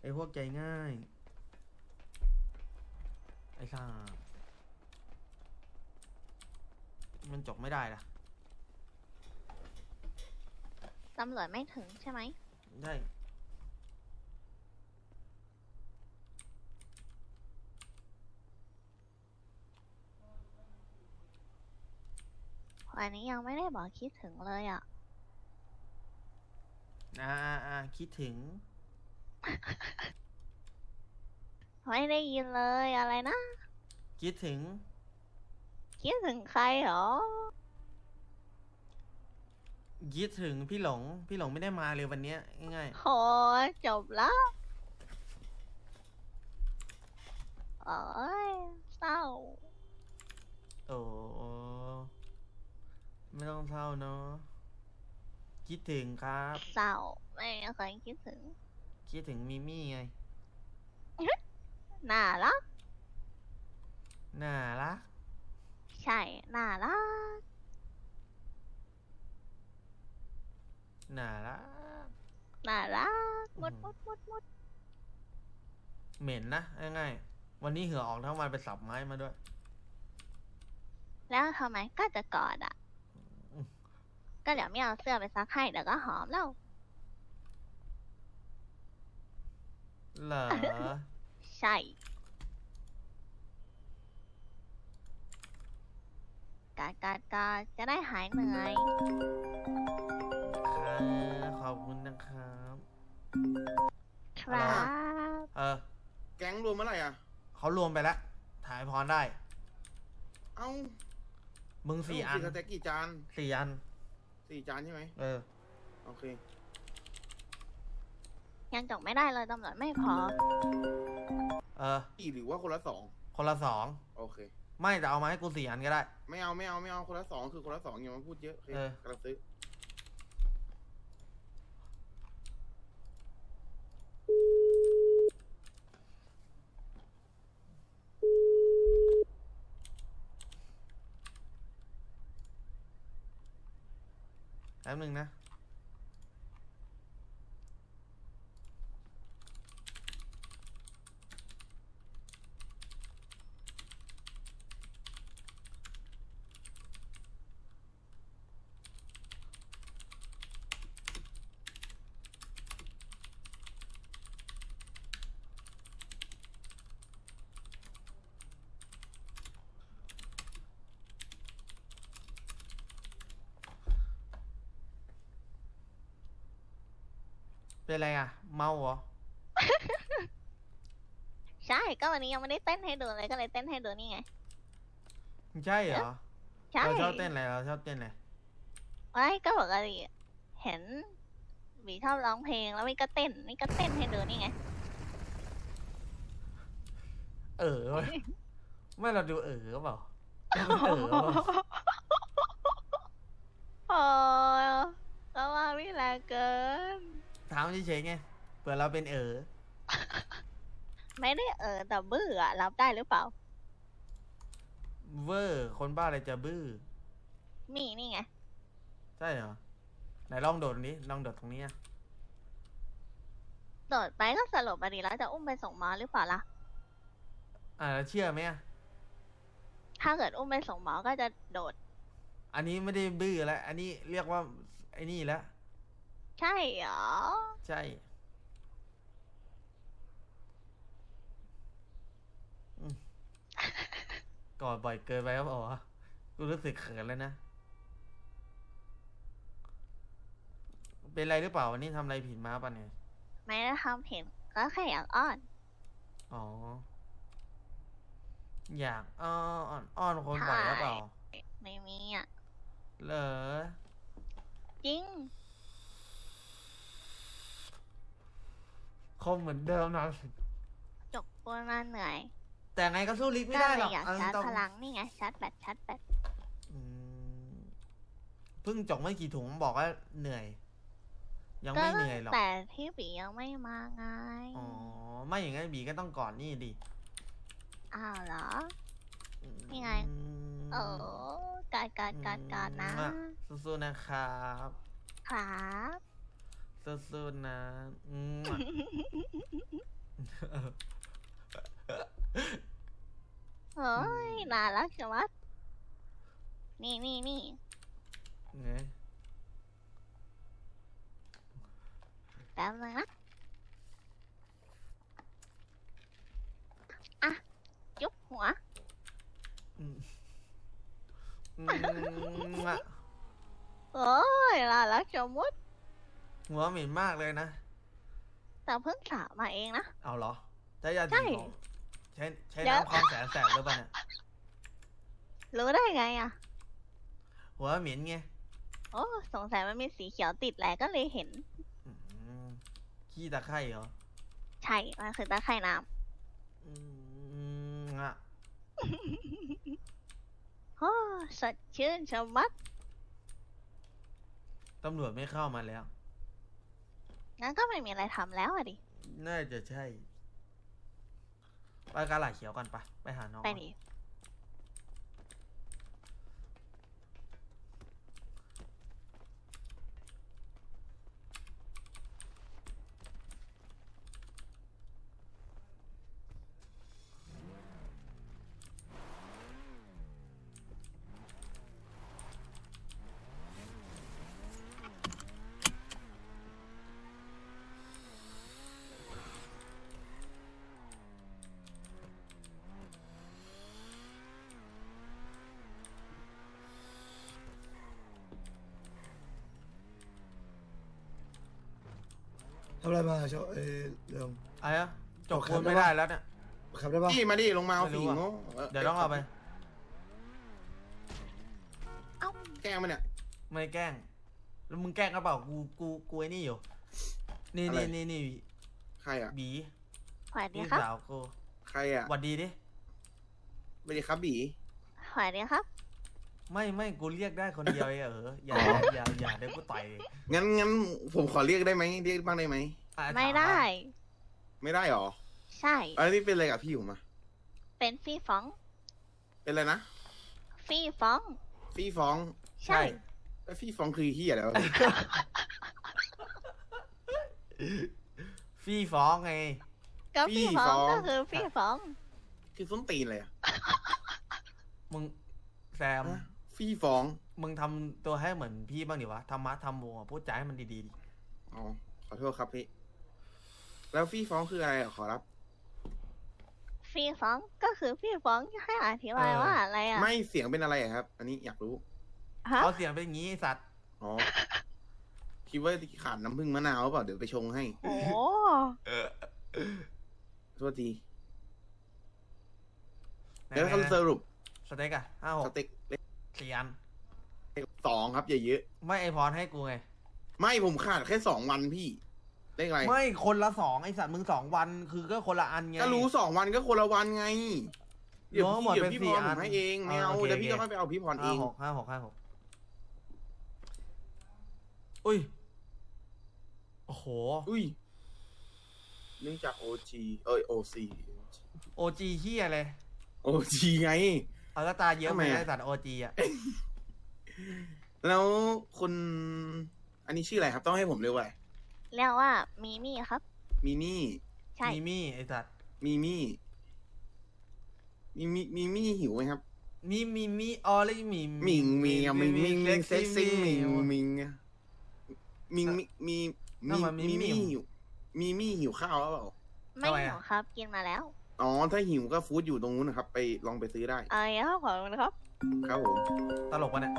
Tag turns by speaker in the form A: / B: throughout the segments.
A: ไอ้พวกใจง่ายไอ้ข้ามันจบไม่ได้ล่ะ
B: ตำรวจไม่ถึงใช่ไหม
A: ได้
B: วันนี้ยังไม่ได้บอกคิดถึงเลยอ่ะ
A: คิดถึง
B: ไม่ได้ยินเลยอะไรนะ
A: คิดถึง
B: คิดถึงใครเหรอ
A: คิดถึงพี่หลงพี่หลงไม่ได้มาเลยวันเนี้ยง่าย
B: โหจบแล้วโอ้ยเศร้า
A: ๆโอ้ไม่ต้องเศร้าเนาะคิดถึงครับ
B: เศร้าไม่เคยคิดถึง
A: คิดถึงมิมี่ไง
B: น่ารัก
A: น่ารัก
B: ใช่น่ารัก
A: น่ารัก
B: น่ารักมุด
A: เหม็นนะง่ายๆวันนี้เหงื่อออกทั้งวันไปสับไม้มาด้วย
B: แล้วทำไมก็จะกอดอ่ะ
A: อืม
B: ก็เดี๋ยวไม่เอาเสื้อไปซักให้เดี๋ยวก็หอมแล้ว
A: เหรอ
B: ใช่กาจะได้หายเหนื่อย
A: ครับขอบคุณนะครับ
B: ครับ
C: แก๊งรวมเมื่อไหร่อ่ะ
A: เขารวมไปแล้วถ่ายพรได้
C: เอ้า
A: มึงสี่อัน
C: สเต็กกี่จาน
A: 4 อัน
C: 4 จานใช่ไหม
A: โอเค
B: ยังจบไม่ได้เลยตำรวจไม่พอ
C: กี่หรือว่าคนละ
A: คนละ 2
C: โอเค
A: ไม่แต่เอามาให้กู4 อันก็ได้
C: ไม่เอาคนละ 2คือคนละ 2อย่ามาพูดเยอะโอเคกำลังซื้อ
A: แป๊บนึงนะเป็นไรอ่ะ เมาเหรอ
B: ใช่ก็วันนี้ยังไม่ได้เต้นให้ดูเลยก็เลยเต้นให้ดูนี่ไง
A: ใช่เหรอ
B: ใช่
A: เราชอบเต้นอะไรเราชอบเต้นอะไร
B: ไว้ก็ปกติเห็นหวีชอบร้องเพลงแล้วไม่ก็เต้นนี่ก็เต้นให้ดูนี่ไง
A: เว้ยไม่เราดูเปล่าเราเป็นเปล่า
B: โอ้ยก็ว่าวิแรงเกิน
A: ถามเฉยๆไงเผื่อเราเป็น
B: ไม่ได้แต่บื้ออะรับได้หรือเปล่า
A: เวอร์คนบ้าอะไรจะบื้อ
B: มีนี่ไง
A: ใช่เหรอไหนลองโดดนี้ลองโดดตรงนี้อะ
B: โดดไปก็สลบไปดีแล้วจะอุ้มไปส่งหมอหรือเปล่าล่ะ
A: แล้วเชื่อไหมอะ
B: ถ้าเกิดอุ้มไปส่งหมอก็จะโดด
A: อันนี้ไม่ได้บื้อแล้วอันนี้เรียกว่าไอ้นี่แล้ว
B: ใช่เหรอ
A: ใช่อืมกอดบ่อยเกินไปครับอ๋อกูรู้สึกเขินแล้วนะ เป็นไรหรือเปล่าวันนี้ทำอะไรผิดมาป่ะเนี่ย
B: ไม่ได้ทำผิดก็แค่อยากอ้อน
A: อ๋อ อยากอ้อนคนบ่อยหรือเปล่า
B: ไม่มีอ่ะ
A: เหรอ
B: จริง
A: คมเหมือนเดิมนะ
B: จกปูนมาเหนื่อย
A: แต่ไงก็สู้ลิฟไม่
B: ก็
A: ได้
B: เล
A: หรอย ก
B: อยาก
A: เอา
B: ชาร์จ
A: ตรง
B: พลังนี่ไงชาร์จแบต
A: อืมเพิ่งจกไม่กี่ถุงบอกว่าเหนื่อย ยัง
B: ก็
A: ไม่เหนื่อยหรอก
B: แต่ที่บียังไม่มาไง
A: อ๋อ ไม่อย่างนั้นบีก็ต้องก่อนนี่ดิ
B: อ้าวเหรอ
A: อืม
B: นี่ไง โอ้การนะ
A: สู้ๆนะครับ
B: ครับ
A: สู้ๆนะ
B: เฮ้ยน่ารักจังวะนี่
A: ไง
B: แป๊บนึงนะอ่ะจุ๊บหัว
A: อืมอะ
B: โอ้ยน่ารักจังมุด
A: หัวเหม็นมากเลยนะ
B: แต่เพิ่งสระมาเองนะ
A: เอาเหรอใช้ยา
B: ใช่
A: สีของใช้
B: เดี๋ยว
A: น้ำคลองแสนแสบหรือเปล่าเนี่ย
B: รู้ได้ไงอ่ะ
A: หัวเหม็นไง
B: โอ้สงสัยมันมีสีเขียวติดแหละก็เลยเห็น
A: อืมขี้ตะไคร่เหรอ
B: ใช่ มันคือตะไคร่น้
A: อือะ
B: ำโอ้สดชื่นชะมัด
A: ตำรวจไม่เข้ามาแล้ว
B: งั้นก็ไม่มีอะไรทำแล้วอะดิ
A: น่าจะใช่ ไปกาหลาเขียวกันไปหาน้อง
B: ไป
A: ก่อน
B: ดิ
D: ทำอะไรมาโชเรื่อง
A: อะไรอะจบ
D: ขั
A: คู
D: บ
A: ณ
D: ได้
A: ไม่
D: ปะ
A: ได้แล้วเนี่ย
D: ขับได้ปะ
C: พี่มาดิลงมาเอา
A: ไม่รู้
C: ฝี
A: อะ
C: โง่
A: เดี๋ยวต้องเอาไป
C: แกล้งมันเนี่ย
A: ไม่แกล้ง แล้วมึงแกล้งกระเปล่ากูไอ้นี่อยู่ นี่
C: อะไร
A: นี่
C: ใครอ่ะ
A: บี
B: สวัสดี
A: พี่
B: ครับ
A: สาวกู
C: ใครอ่ะ
A: หวัดดีดิ
C: ไม่ได้ครับบี
B: สวัสดีครับ
A: ไม่กูเรียกได้คนเดียวเองอย่าเดี๋ยวกูต่อย
C: งั้นผมขอเรียกได้ไหมเรียกบ้างได้ไหม
A: อ่ะ
B: ไม่
A: ถา
B: ได้
C: ไม่ได้หรอ
B: ใช่
C: อันนี้เป็นอะไรกับพี่ผมอ่ะ
B: เป็นฟี่ฟ้อง
C: เป็นอะไรนะ
B: ฟี่ฟ้อง
C: ฟี่ฟ้อง
B: ใช่
C: แล้วฟี่ฟ้องคือที่อะไรวะ
A: ฟี่ฟ้องไง
B: ก็ฟี่ฟ้องก็คือฟี่ฟ้อง
C: คือส้นตีนเลยอ่ะ
A: มึงแซม
C: ฮะฟี่ฟ้อง
A: มึงทำตัวให้เหมือนพี่บ้างดิวะทำมัดทำโมอะพูดจาให้มันดีๆดิ
C: อ๋อขอโทษครับพี่แล้วฟี่ฟ้องคืออะไรอะขอรับ
B: ฟี่ฟ้องก็คือฟี่ฟ้องให้อธิบายว่าอะไรอ่ะ
C: ไม่เสียงเป็นอะไรอะครับ อันนี้อยากรู้
B: ฮะ
A: เขาเสียงเป็นอย่างงี้ไอ้สัตว์
C: อ๋อคิดว่าขาดน้ำผึ้งมะนาวหรือเปล่าเดี๋ยวไปชงให้
B: โอ้
C: โทษทีแล้วคำสรุป
A: สเต็กอะ5-6
C: สเต็กเล็ก
A: 4 อัน
C: 2ครับอย่าเยอะ
A: ไม่ไอพรให้กูไง
C: ไม่ผมขาดแค่2 วันพี่เลขอะไร
A: ไม่คนละ2ไอสัตว์มึง2 วันคือก็คนละอันไง
C: ก็รู้2 วันก็คนละวันไง เดี๋ยว
A: รวมหมด
C: เดี๋ยว
A: เป็น
C: พี่
A: 4
C: พร
A: อั
C: ผ
A: น
C: มให้เองไม่เอา
A: โอเค
C: เดี๋ยวพี่
A: โอ
C: ก็
A: เค
C: ค่อยไปเอาพี่พรเอง
A: 5-6อุ้ยโอ้โห
C: อุ้ยเนื่องจาก OG OC
A: OG เฮียเลย
C: OG ไง
A: เอาก็ตาเยอะ
C: ทำ
A: ไห
C: ไม
A: ม
C: อะ
A: ไอสัตว์ OG อะ
C: แล้วคุณอันนี้ชื่ออะไรครับต้องให้ผมเรียกว่าอะไร
B: เรียกว่ามีมี่ครับ
C: มิมี่
B: ใช่
A: มีมี่ไอสัตว์
C: มิมี่มิมี่หิวไหมครับ
A: มีออเลยมี
C: มิงมิงอะมิงมิงมิงเซ็กซี่มิง
A: มิง
C: มิงอะมิงมี
A: นั่นมันมิ
C: มิ
A: มิ
C: มี่หิวมิมี่หิวข้าวแล้วเปล่า
B: ไม่
A: ทำไม
B: ห
A: อะ
B: นูครับ กินมาแล้ว
C: อ๋อถ้าหิวก็ฟู้ดอยู่ตรงนู้นนะครับ ไปลองไปซื้อได้
B: เอ้ยขอบคุณครับ
C: ครับผม
A: ตลกปะเนี่ย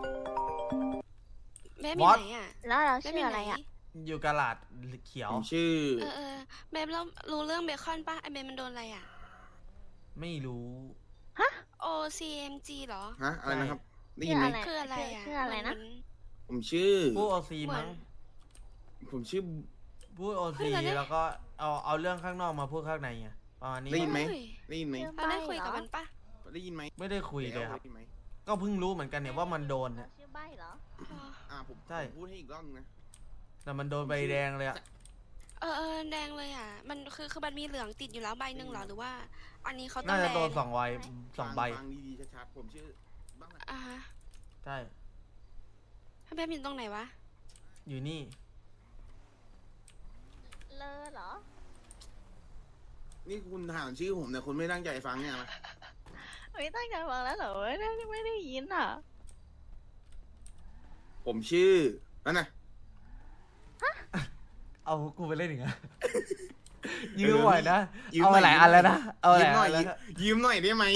E: แม่
A: บ
E: มี
A: อส
E: ไหนอ่ะ
B: แล้วเรา
E: แม่
B: ชื่
E: มี
B: อ
E: ไห
B: อะ
E: น
B: ไรอ่ะ
A: อยู่กาลาดเขียว
C: ผมชื่อ
E: แม่แล้วรู้เรื่องเบคอนป่ะไอเมนมันโดนอะไรอ่ะ
A: ไม่รู้
E: OCMG เหรอ
C: ฮะอะไรนะครับ ได้ยินไหม
B: ชื่ออะไร
E: คืออะไรอ่ะ
B: ชื่ออะไรนะ
C: ผมชื่อ
A: ผู้ OC มั้ง
C: ผมชื่อ
A: พูด OC แล้วก็เอาเรื่องข้างนอกมาพูดข้างในไงประมาณนี้
C: ได้ยินไหม
E: เฮ้ย
C: ได้ยินไหม
B: ชื่อ
E: เราได้คุยกับมันป่ะ
C: ได้ยินไหม
A: ไม่ได้คุยเลยครับ
C: ได้นไหม
A: ก็เพิ่งรู้เหมือนกันเนี่ยว่ามันโดนเนี่ย
B: ชื่อใบเหรอ
C: ผม
A: ใช่
C: พูดให้อีกรอบนึงนะ
A: แต่มันโดนใบแดงเลยอะ
E: แดงเลยอ่ะ มันคือมันมีเหลืองติดอยู่แล้วใบหนึ่งเหรอหรือว่า อันนี้เขาต้อ
A: น่าง จะ
E: แด
A: โด
E: ง
A: น2 ใบ2 ใบ
C: ฟังดีๆชัดๆผมชื่อบ้างนะ
E: อ่ะฮะ
A: ใช่
E: ถ้าแม่มีตรงไหนวะ
A: อยู่นี่
B: เลอเหรอ
C: นี่คุณถามชื่อผมแต่คุณไม่ตั้งใจฟังเนี่ยนะ
B: ไม่ตั้งใจฟังแล้วเหรอไม่ได้ยินอ่ะ
C: ผมชื่อนั่นนะ
A: เอากูไปเล่นอีกอะ
C: เออ
A: ยืมบ่อยนะ
C: ยืม
A: เอา
C: หน่อย
A: หลายอันแล้วนะ เอาห
C: ยื
A: ลาม ย
C: หน่
A: อั
C: อย
A: นแล้วนะ
C: ยืมหน่อยได้ไหม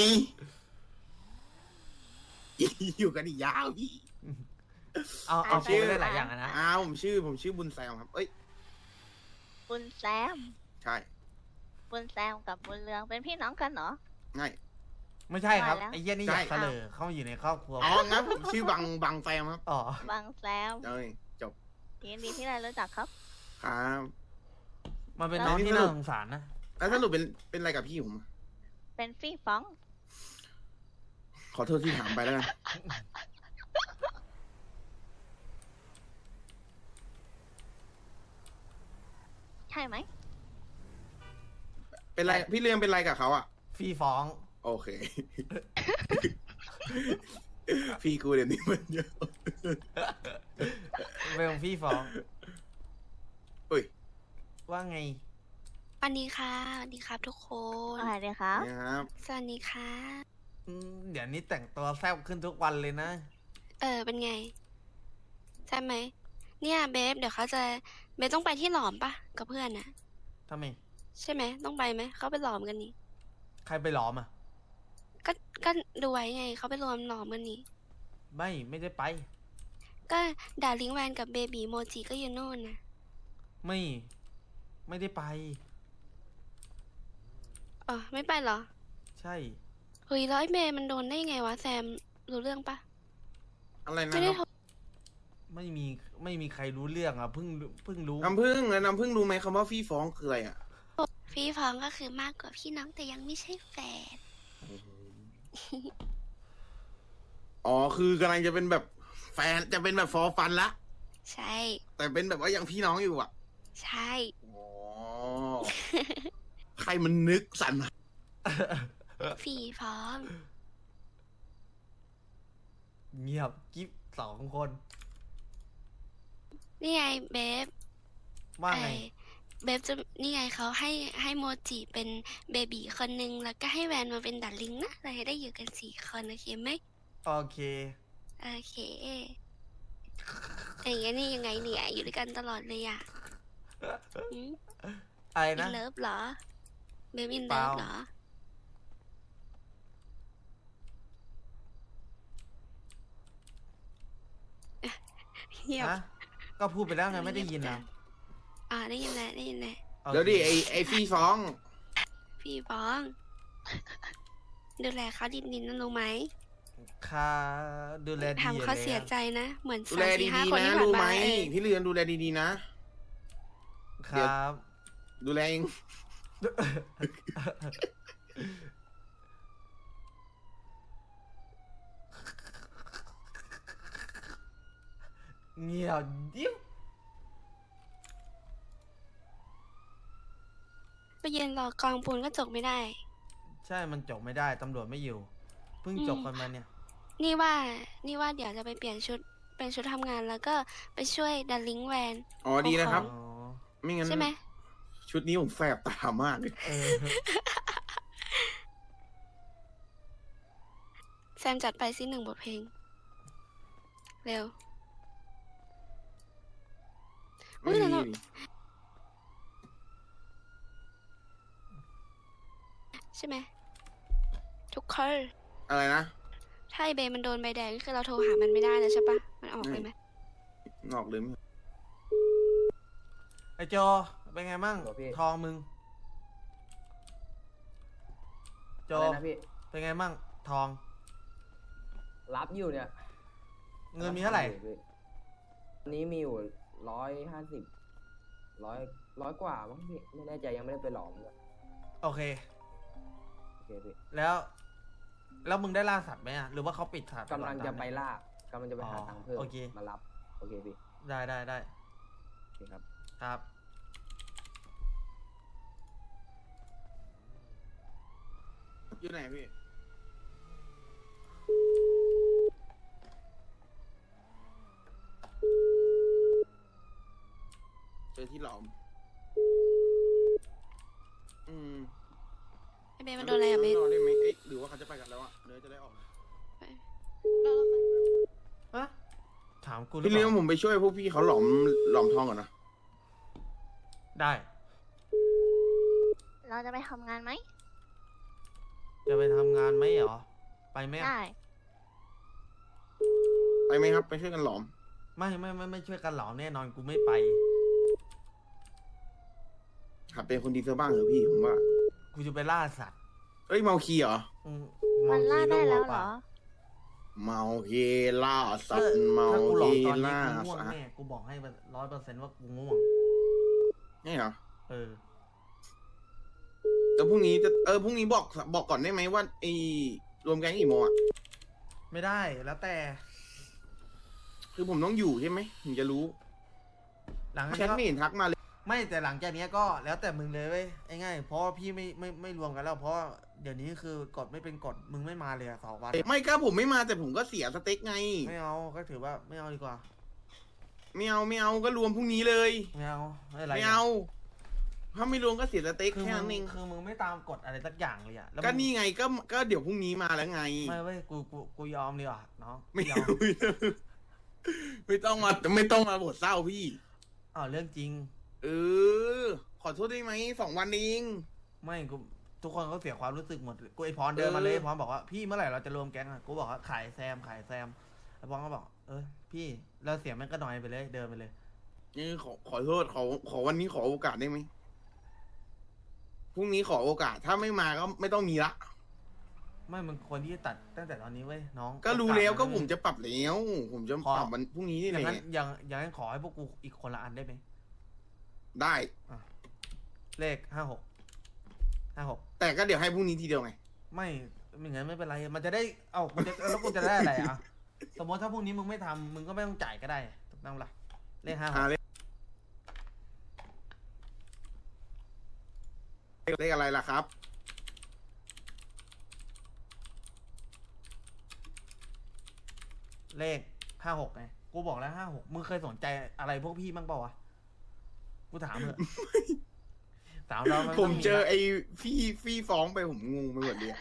C: อยู่กันอีกยาวพี่
A: เอา
C: ชื่
A: กู
C: อ
A: ไปเล่นหลายอย่างอะนะ
C: ผมชื่อบุญแซมครับ เอ้ย
B: บุญแซม
C: ใช่
B: บุญแซมกับบุญเรืองเป็นพี่น้องกันเหรอ
C: ง่าย
A: ไม่ใช่ครับ
B: ว่าแล้ว
A: ไอ้เหี้ยนี่อ
C: ใช่
A: ยากเสลอเข้ามาอยู่ในครอบครัว
C: อ๋องั้นผมชื่อบังแซมครับ
A: อ๋อบ
B: างแซม
C: เอ้ยจบ
B: ยินดีที่ได้รู้จักครับ
C: ครับ
A: มันเป็นน้องที่น่าสงสารนะ
C: แล้วสรุปเป็นอะไรกับพี่ผม
B: เป็นฟี่ฟ้อง
C: ขอโทษที่ถามไปแล้วกัน
B: ใช่ไหม
C: เป็นไรพี่เลี้ยงเป็นไรกับเขาอ่ะ
A: ฟรีฟ้อง
C: โอเค พี่กูเดี๋ยวนี้มันเยอะ
A: เป็นฟรีฟ้อง
C: อุ้ย
A: ว่าไง
E: สวัสดีค่ะสวัสดีครับทุกคน
B: อะไรดีครับ
C: เนี่ยครับ
E: สวัสดีค่ะ
A: เดี๋ยวนี้แต่งตัวแซ่บขึ้นทุกวันเลยนะ
E: เป็นไงใช่ไหมเนี่ยเบฟเดี๋ยวเขาจะเบฟต้องไปที่หลอมปะกับเพื่อนน่ะ
A: ทำไม
E: ใช่ไหมต้องไปไหมเขาไปหลอมกันนี่
A: ใครไปหลอมอ่ะ
E: ก็ก็ดูไว้ไงเขาไปรวมหลอมกันนี่
A: ไม่ได้ไป
E: ก็ดาริงแวนกับเบบีโมจิก็อยู่โน่นนะ
A: ไม่ได้ไป
E: ไม่ไปเหรอ
A: ใช่
E: เฮ้ยแล้วไอ้เมย์มันโดนได้ไงวะแซมรู้เรื่องปะ
C: อะไรนะ
E: ไม่ได้
C: ครับ
E: โทร
A: ไม่มีใครรู้เรื่องอ่ะเพิ่งรู้
C: น้ำผึ้งแล้วน้ำผึ้งรู้ไหมคำว่าฟี่ฟ้องคืออะไรอ่ะ
E: พี่ฟองก็คือมากกว่าพี่น้องแต่ยังไม่ใช่แฟน
C: อ๋อคือกำลังจะเป็นแบบแฟนจะเป็นแบบฟอร์ฟันละ
E: ใช่
C: แต่เป็นแบบว่ายังพี่น้องอยู่อ่ะ
E: ใช่
C: อ๋อ ใครมันนึกสรรหา
E: พี่ฟอง
A: เงียบกิ๊บ2 คน
E: นี่ไงเบฟ
A: ว่าไง
E: เบฟจะนี่ไงเขาให้โมจิเป็นเบบีคนนึงแล้วก็ให้แวนมาเป็นดัลลิงนะเราจะได้อยู่กัน4 คนโอเคไหม
A: โอเค
E: โอเคอย่างงี้นี่ยังไงเนี่ยอยู่ด้วยกันตลอดเลยอ่ะ
A: อะไร
E: อิ
A: นะ
E: นเลิฟเหรอเบฟอิน
A: เป
E: เลิ
A: ล่า
E: ฟเหรอเงียบ
A: ฮะก็พูดไปแล้วไงไม่ได้ยินนะ
E: ได้ยินแล้วได้ยินแล้ว
A: โอเค
C: เดี๋ยวดิไอฟี่ฟ้อง
E: พี่บ้อง ดูแลเขาดินๆนะรู้ไหม
A: ค่าดูแลดี
E: ทำเขาเสีย
A: แล้ว
E: ใจนะ เหมือน
C: ดู
E: สา
C: แล
E: มสี่ห้า
C: ดี
E: คน
C: ๆนะ
E: ที่ผ่าน
C: รู้ไหม
E: มาเออ
C: พี่เรือนดูแลดีๆนะ
A: ครับ
C: ดูแลเอง
A: เงียบดิบ
E: ไปยืนรอกองปูนก็จกไม่ได้
A: ใช่มันจบไม่ได้ตำรวจไม่อยู่ เพิ่งจบกันมาเนี่ย
E: นี่ว่าเดี๋ยวจะไปเปลี่ยนชุดเป็นชุดทำงานแล้วก็ไปช่วยดัลลิงแวน
C: อ๋อดีนะครับ
A: อ๋อ
C: ไม่งั้น
E: ใช่ไหม
C: ชุดนี้ผมแสบตามากเลย
A: เออ
E: แซมจัดไปสิ1 บทเพลง เร็ว อุ๊
C: ไม่
E: ย
C: มี
E: แล้วเรา
C: ดิ
E: ใช่ไหมทุกคน
C: อะไรนะ
E: ถ้าไอเบย์มันโดนใบแดงก็คือเราโทรหามันไม่ได้แล้วใช่ปะมันออกเลยไหม
C: งอกเลยไหม
A: ไอโจเป็นไงมั่ง
F: โหพี่
A: ทองมึง โจ
F: อะไรนะพี่
A: เป็นไงมั่งทอง
F: รับอยู่เนี่ย
A: เงินมีเท่าไหร่
F: วันนี้มีอยู่150ร้อยกว่ามั้งพี่ไม่แน่ใจยังไม่ได้ไปหลอมเลย
A: โอเค
F: โอเคพี่
A: แล้วมึงได้ล่าสัตว์ไหมอ่ะหรือว่าเขาปิดสัตว์
F: กำลังจะไป
A: ตามเนี่ย
F: ล่ากำลังจะไปหา
A: อ๋อ
F: ตังค์เพิ่ม
A: โอเค
F: มารับโอเคพี่
A: ได้
F: โอเคครับ
A: ครับ
C: อยู่ไหนพี่ เจอที่หลอม อืม
E: บสมันโดนอะไรอะเบส
C: รอได้ไหมเอ๊ะหรือว่าเขาจะไปกันแล้วอะเนื้อจะได้ออกมา
E: รอก่อน
A: อะถามกูหรือ
C: พี่
A: เป
C: เลี้ยง
A: ล่า
C: ผมไปช่วยพวกพี่เขาหลอมทองก่อนนะ
A: ได้
B: เราจะไปทำงานไหม
A: จะไปทำงานไหมเหรอ ไปไหมอะ
B: ได้
C: ไปไหมครับไปช่วยกันหลอม
A: ไม่ช่วยกันเหรอแน่นอนกูไม่ไป
C: หัดเป็นคนดีซะบ้างเถอะพี่ผมว่า
A: กูจะไปล่าสัตว์
C: เอ้ยเมาคีเหรอ
A: อื
B: มันล่าได้แล้ว
A: เมา
B: เหรอ
C: เมาคีล่าสัต
A: ถ้า
C: ว์เมา
A: ถ้ากูหลอ
C: คี
A: กตอนนี้
C: ล่า
A: กูง่วง
C: สัตว์
A: แน่กูบอกให้100%ว่ากูง่วง
C: นี่เหรอ
A: เออ
C: แต่พรุ่งนี้จะพรุ่งนี้บอกก่อนได้ไหมว่าไอ้รวมแก๊งกี่โมงอะ
A: ไม่ได้แล้วแต่
C: คือผมต้องอยู่ใช่ไหมถึงจะรู้
A: หลังจาก
C: แช
A: นี้
C: ท
A: ก็
C: ไม่เห็นทักมาเลย
A: ไม่แต่หลังจากนี้ก็แล้วแต่มึงเลยเว้ยไอ้ง่ายเพราะว่าพี่ไม่รวมกันแล้ว เพราะว่าเดี๋ยวนี้คือกฎไม่เป็นกฎมึงไม่มาเลยอะ2 วันอะ
C: ไม่ก็ผมไม่มาแต่ผมก็เสียสเต็กไง
A: ไม่เอาก็ถือว่าไม่เอาดีกว่า
C: ไม่เอาก็รวมพรุ่งนี้เลย
A: ไม่เอาไม่อะไร
C: ไม่เอาถ้าไม่รวมก็เสียสเต็ก
A: คือ
C: แค่
A: มึ
C: นั้น
A: ง
C: เอง
A: คือมึงไม่ตามกฎอะไรสักอย่างเลยอะแล้ว
C: ก็
A: มึง
C: นี่ไงก็เดี๋ยวพรุ่งนี้มาแล้วไง
A: ไม่เว้ยกูยอมดีกว่าน้อง
C: ไม่
A: ยอ
C: เอา
A: ม
C: ไม่ต้องมาบทเศร้าพี่
A: อ้าวเรื่องจริง
C: เออ ขอโทษได้ไหม2 วันเอง
A: ไม่กูทุกคนก็เสียความรู้สึกหมดกูไอพรเดินมาเลย
C: เออ
A: ไอ้พรบอกว่าพี่เมื่อไหร่เราจะรวมแก๊งอะกูบอกว่าขายแซมไอพรก็บอกพี่เราเสียงแม่งก็น้อยไปเลยเดินไปเลย
C: นี่ขอโทษขอวันนี้ขอโอกาสได้ไหมพรุ่งนี้ขอโอกาสถ้าไม่มาก็ไม่ต้องมีละ
A: ไม่มึงควรที่จะตัดตั้งแต่ตอนนี้เว้ยน้อง
C: ก็รู้แล้ว
A: โอาส
C: ก็
A: น
C: ผมจะปรับแล้วผมจะ
A: ขอ
C: ปรับวันพรุ่งนี้นี่
A: อ
C: แห
A: ย่างนั้น
C: ละ
A: อย่างนั้นขอให้พวกกูอีกคนละอันได้ไหม
C: ได้
A: เลข56
C: แต่ก็เดี๋ยวให้พรุ่งนี้ทีเดียวไง
A: ไม่งั้นไม่เป็นไรมันจะได้แล้วกูจะได้อะไรอ่ะสมมติถ้าพรุ่งนี้มึงไม่ทำมึงก็ไม่ต้องจ่ายก็ได้ถูกต้องปะเลข56
C: เลขอะไรล่ะครับ
A: เลข56ไงกูบอกแล้ว56มึงเคยสนใจอะไรพวกพี่บ้างเปล่าวะกูถามเถอะ ถามเราน
C: ผ
A: ต้
C: ม
A: ง
C: เจอ
A: ละ
C: ไอ้พี่ฟ้องไปผมงงไปหมดเลยอะ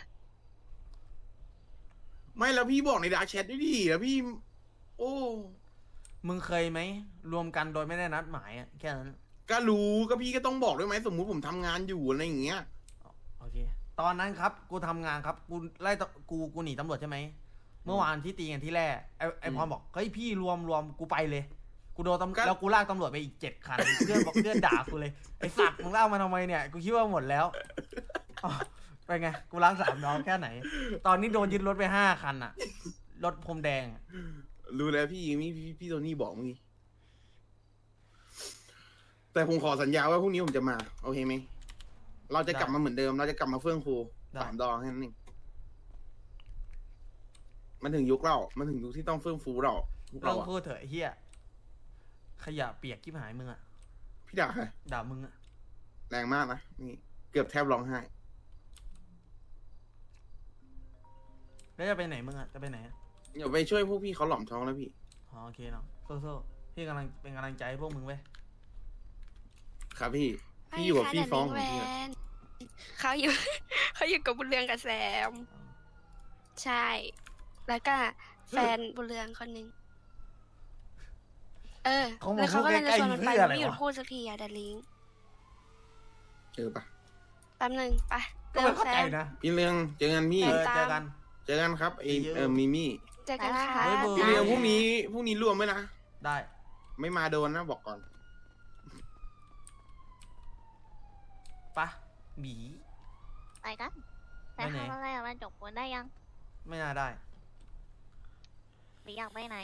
C: ไม่แล้วพี่บอกในดาร์กแชทด้วยดิแล้วพี่ โอ้
A: มึงเคยไหมรวมกันโดยไม่ได้นัดหมายอ่ะแค่นั้น
C: ก็รู้ก็พี่ก็ต้องบอกด้วยไหมสมมุติผมทำงานอยู่อะไรอย่างเงี้ย
A: โอเคตอนนั้นครับกูทำงานครับกูไล่ตกูหนีตำรวจใช่ไหมเมื่อวานที่ตีกันที่แรกไอพรบอกเฮ้ยพี่รวมกูไปเลยกูโดนแล้วกูลากตำรวจไปอีก7 คันเพื่อนบอกเพื่อนด่ากูเลยไอสัตว์มึงลากมาทำไมเนี่ยกูคิดว่าหมดแล้วอ๋อไปไงกูล้าง3 น้องแค่ไหน ตอนนี้โดนยึดรถไป5 คันอะรถพรมแดงอะ
C: รู้แล้วพี่โทนี่บอกเมื่อกี้แต่ผมขอสัญญาว่าพรุ่งนี้ผมจะมาโอเคไหมเราจะกลับมาเหมือนเดิม เราจะกลับมาเฟื่องฟู3 ดอกแค่นั้นเองมันถึงยุคเรามันถึงยุคที่ต้องเฟื่องฟูเราพวก
A: เรื่
C: เรา
A: อง
C: อะ
A: พูดเถอะไอ้เฮียขยะเปียกที่หายมึงอะ
C: พี่ด่าใคร
A: ด่ามึงอะ
C: แรงมากนะนี่เกือบแทบร้องไห้
A: แล้วจะไปไหนมึงอะจะไปไหนอะ
C: เดี๋ยวไปช่วยพวกพี่เขาหล่อมท้องแล้วพี่
A: อ๋อโอเคเนาะสู้ๆพี่เป็นกำลังใจให้พวกมึงเว้ย
C: ครับพี่พี่อยู่กับพี่ฟ้องของ
E: แว
C: พี่อะ
E: นเขาอยู่ เขาอยู่กับบุญเรืองกับแซม ใช่ แล้วก็แฟนบุญเรืองคนหนึงแล้วเขาก็เลยจะชวนมันไปมันไม่หยุดพูดสักทีอะดาริง
C: ปะ
E: แป๊บหนึงไป
A: ก็
E: เริ่
A: ไม่
E: ม
A: เข้า
E: แฟ
A: ใจ
E: น
A: นะ
C: พี่เรืองเจอกันพี่
A: เจอกัน
C: เจอกันครับมิมี่
E: เจอกันค่ะ
A: บ๊ายบาย
C: พี่เรืองพรุ่งนี้รวมไหมนะ
A: ได้
C: ไม่มาโดนนะบอกก่อน
A: ปะหมี
B: ไปกันไป
A: ไปไหน
B: ทำอะไรอะมาจบปูนได้ยัง
A: ไม่น่าได้
B: หรืออยากไปไหน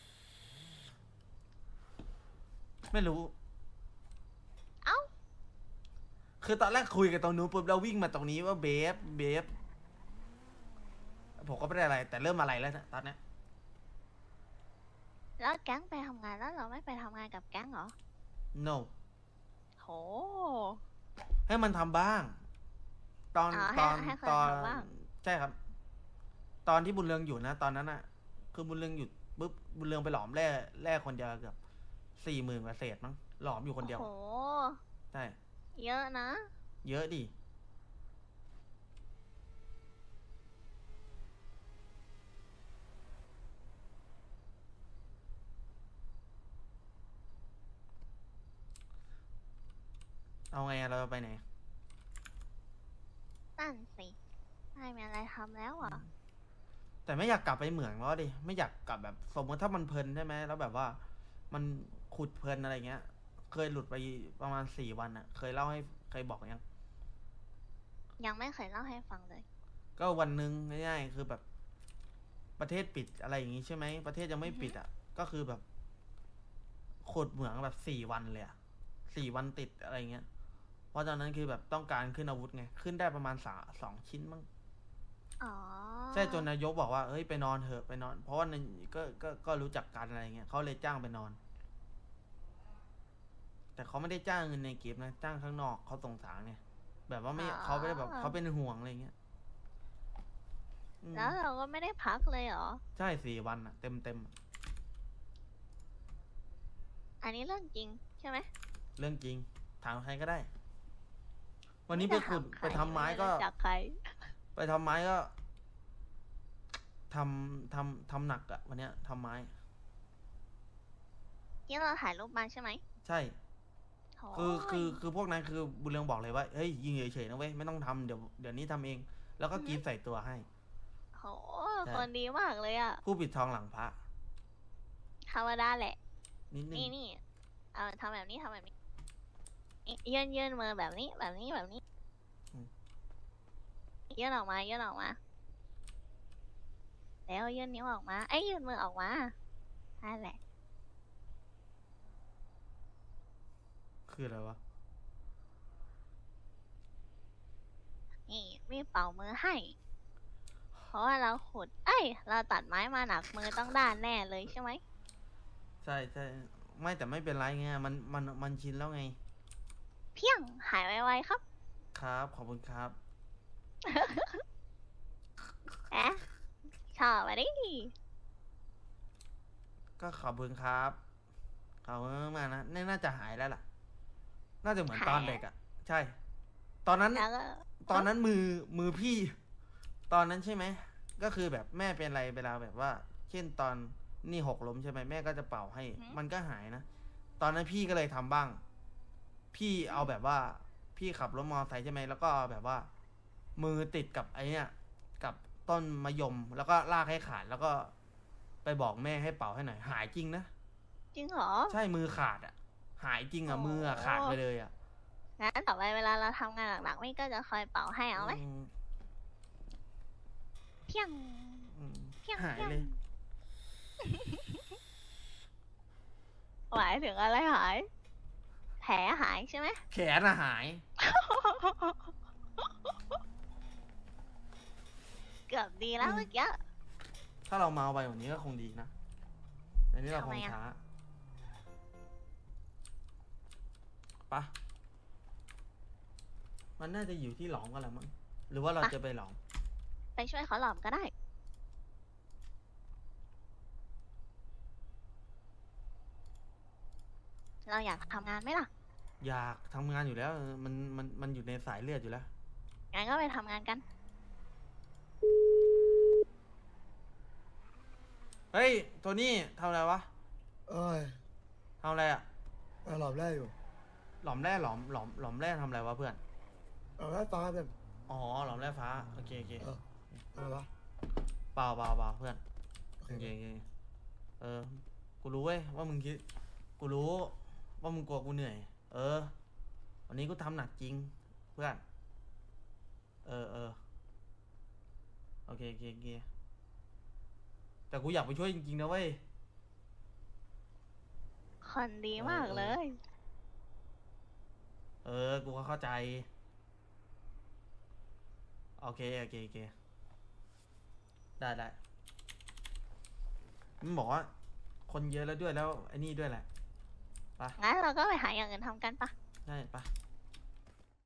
A: ไม่รู้
B: เอ้า
A: คือตอนแรกคุยกันตรงนู้นปุ๊บแล้ววิ่งมาตรงนี้ว่าเบฟผมก็ไม่ได้อะไร แต่เริ่มอะไรแล้วนะตอนนี้
B: แล้วแก๊งไปทำงานแล้วเราไม่ไปทำงานกับแก๊งเหรอ
A: no
B: โห
A: ให้มันทำบ้าง ตอน
B: อ๋อให้คนทำบ้าง
A: ใช่ครับ ตอนที่บุญเรืองอยู่นะตอนนั้นอะคือบุญเรืองหยุดปุ๊บบุญเรืองไปหลอมแร่คนเดียวเกือบ40,000 กว่าเศษมั้งหลอมอยู่คนเดียว
B: โห
A: ใช่
B: เยอะนะ
A: เยอะดิเอาไงอะเราจะไปไหน
B: นั่นสิไม่มีอะไรทำแล้วอ่ะ
A: แต่ไม่อยากกลับไปเหมืองแล้วดิไม่อยากกลับแบบสมมติถ้ามันเพลินใช่ไหมแล้วแบบว่า มันขุดเพลินอะไรเงี้ย เคยหลุดไปประมาณ4 วันอะเคยเล่าให้เคยบอกยัง
B: ยังไม่เคยเล่าให้ฟังเลย
A: ก็วันหนึ่งง่ายๆคือแบบ ประเทศปิดอะไรอย่างงี้ใช่ไหมประเทศยังไม่ปิดอ่ะก็คือแบบขุดเหมืองแบบ4 วันเลยอะ4 วันติดอะไรเงี้ยเพราะตอนนั้นคือแบบต้องการขึ้นอาวุธไงขึ้นได้ประมาณ2 ชิ้นมั้ง
B: อ๋อ
A: ใช่จนนายกบอกว่าเฮ้ยไปนอนเถอะไปนอน เพราะว่าก็รู้จักกันอะไรเงี้ยเขาเลยจ้างไปนอน แต่เขาไม่ได้จ้างเงินในเก็บนะจ้างข้างนอกเขาสงสารไงแบบว่าไม่เขาไม่ได้แบบเขาเป็นห่วงอะไรเงี้ยอืม
B: แล้วเราก็ไม่ได้พักเลยเหรอ
A: ใช่4 วันอะเต็มอะ
B: อันนี้เรื่องจริงใช่ไหม
A: เรื่องจริงถามใครก็ได้ วันนี้ไปขุดไปทำไม้ก็
B: จากใคร
A: ไปทำไม้ก็ทำหนักอะวันเนี้ยทำไม้
B: ที่เราถ่ายรูปมาใช่ไหม
A: ใช่
B: โถ่
A: คือพวกนั้นคือบุญเรืองบอกเลยว่าเฮ้ยยิงเฉยๆนะเว้ยไม่ต้องทำเดี๋ยวนี้ทำเอง แล้วก็กรีดใส่ตัวให้
B: โห
A: ใช่
B: คนดีมากเลยอ่ะ
A: ผู้ปิดทองหลังพระ
B: ธรรมดาแหละ
A: นิดนึง
B: นี่เอาทำแบบนี้ทำแบบนี้ยื่นมือแบบนี้แบบนี้แบบนี้ยื่นออกมายื่นออกมาแล้วยื่นนิ้วออกมาไอ้ยยื่นมือออกมานั่นแหละ
A: คืออะไรวะ
B: นี่มีเป่ามือให้ เพราะว่าเราขุดเราตัดไม้มาหนักมือต้องด้านแน่เลยใช่ไหม
A: ใช่ไม่แต่ไม่เป็นไรไงมันชินแล้วไง
B: เพียงหายไวๆครับ
A: ครับขอบคุณครับ
B: แอะชอบอะดิ
A: ก็ขอบคุณครับขอบคุณมากๆนะน่าจะหายแล้วล่ะ น่าจะเหมือนตอนเด็กอะใช่ ตอนนั้น
B: แล้วก็
A: ตอนนั้นมือพี่ ตอนนั้นใช่ไหมก็คือแบบแม่เป็นอะไรเวลาแบบว่า เช่นตอนนี่หกล้มใช่ไหมแม่ก็จะเป่าให้ มันก็หายนะตอนนั้นพี่ก็เลยทำบ้าง พี่เอาแบบว่า พี่ขับรถมอเตอร์ไซค์ใช่ไหมแล้วก็เอาแบบว่า มือติดกับไอ้เนี่ยกับต้นมะยมแล้วก็ลากให้ขาดแล้วก็ไปบอกแม่ให้เป่าให้หน่อยหายจริงนะ
B: จริงเหรอ
A: ใช่มือขาดอ่ะ หายจริงอ่ะ
B: โอ้
A: มืออ่ะขาดไปเลยอ่ะ
B: งั้นต่อไปเวลาเราทำงานหนักๆไม่ก็จะคอยเป่าให้เอาไหม
A: อืม
B: เพียง
A: อืม
B: เพียง
A: หาย
B: เพียง
A: เลย
B: หมายถึงอะไรหาย แผลหายใช่ไหม
A: แขนอะหาย
B: เกือบดีแล้วเมื่อกี้
A: ถ้าเราเมาไปกว่านี้ก็คงดีนะแต่นี้เราค
B: ทำไม
A: ง
B: อะ
A: ช้าปะมันน่าจะอยู่ที่หลอมกันแหละมั้งหรือว่าเราจะไปหลอม
B: ไปช่วยเขาหลอมก็ได้ เราอยากทำงานไหมล่ะ
A: อยากทำงานอยู่แล้วมันอยู่ในสายเลือดอยู่แล้ว
B: งั้นก็ไปทำงานกัน
A: เฮ้ยโทนี่ทำอะไรวะ
D: เอ้ย
A: ทำอะไรอะ
D: หลอมแร่อยู่
A: หลอมแร่หลอมแร่ทำอะไรวะเพื่อน
D: หลอมแร่ฟ้าแบบ
A: อ๋อหลอมแร่ฟ้าโอเค
D: เอออะไรวะ
A: เปล่าเพื่อน
D: โอเค
A: โอเคกูรู้เว้ยว่ามึงคิดกูรู้ว่ามึงกลัวกูเหนื่อย วันนี้กูทำหนักจริง เพื่อน โอเคแต่กูอยากไปช่วยจริงๆนะเว้ย
B: คนดีมากเลย
A: กูก็เข้าใจ โอเค ได้มันบอกว่า คนเยอะแล้วด้วยแล้วไอ้นี่ด้วยแหละ
B: งั้นเราก็ไปหาอย่างอื่นทำกันปะ
A: ใช่ปะ